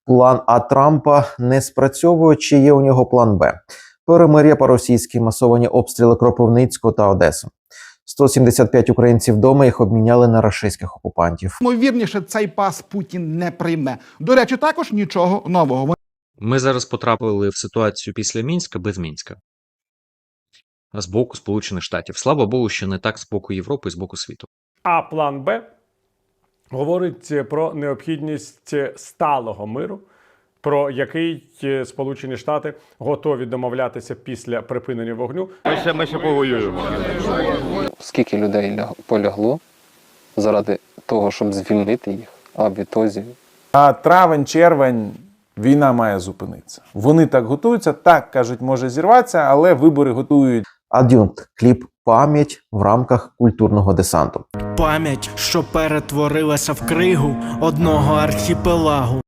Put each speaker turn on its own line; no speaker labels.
План А Трампа не спрацьовує, чи є у нього план Б? Перемир'я по-російськи, масовані обстріли Кропивницького та Одеси. 175 українців вдома, їх обміняли на рашистських окупантів.
Ймовірніше, цей пас Путін не прийме. До речі, також нічого нового.
Ми зараз потрапили в ситуацію після Мінська без Мінська. З боку Сполучених Штатів. Слава Богу, що не так з боку Європи і з боку світу.
А план Б говорить про необхідність сталого миру, про який Сполучені Штати готові домовлятися після припинення вогню.
Ми ще повоюємо.
Скільки людей полягло заради того, щоб звільнити їх, а відтоді.
А травень-червень війна має зупинитися. Вони так готуються, так, кажуть, може зірватися, але вибори готують.
Ад'юнкт. Кліп «Пам'ять» в рамках культурного десанту.
Пам'ять, що перетворилася в кригу одного архіпелагу.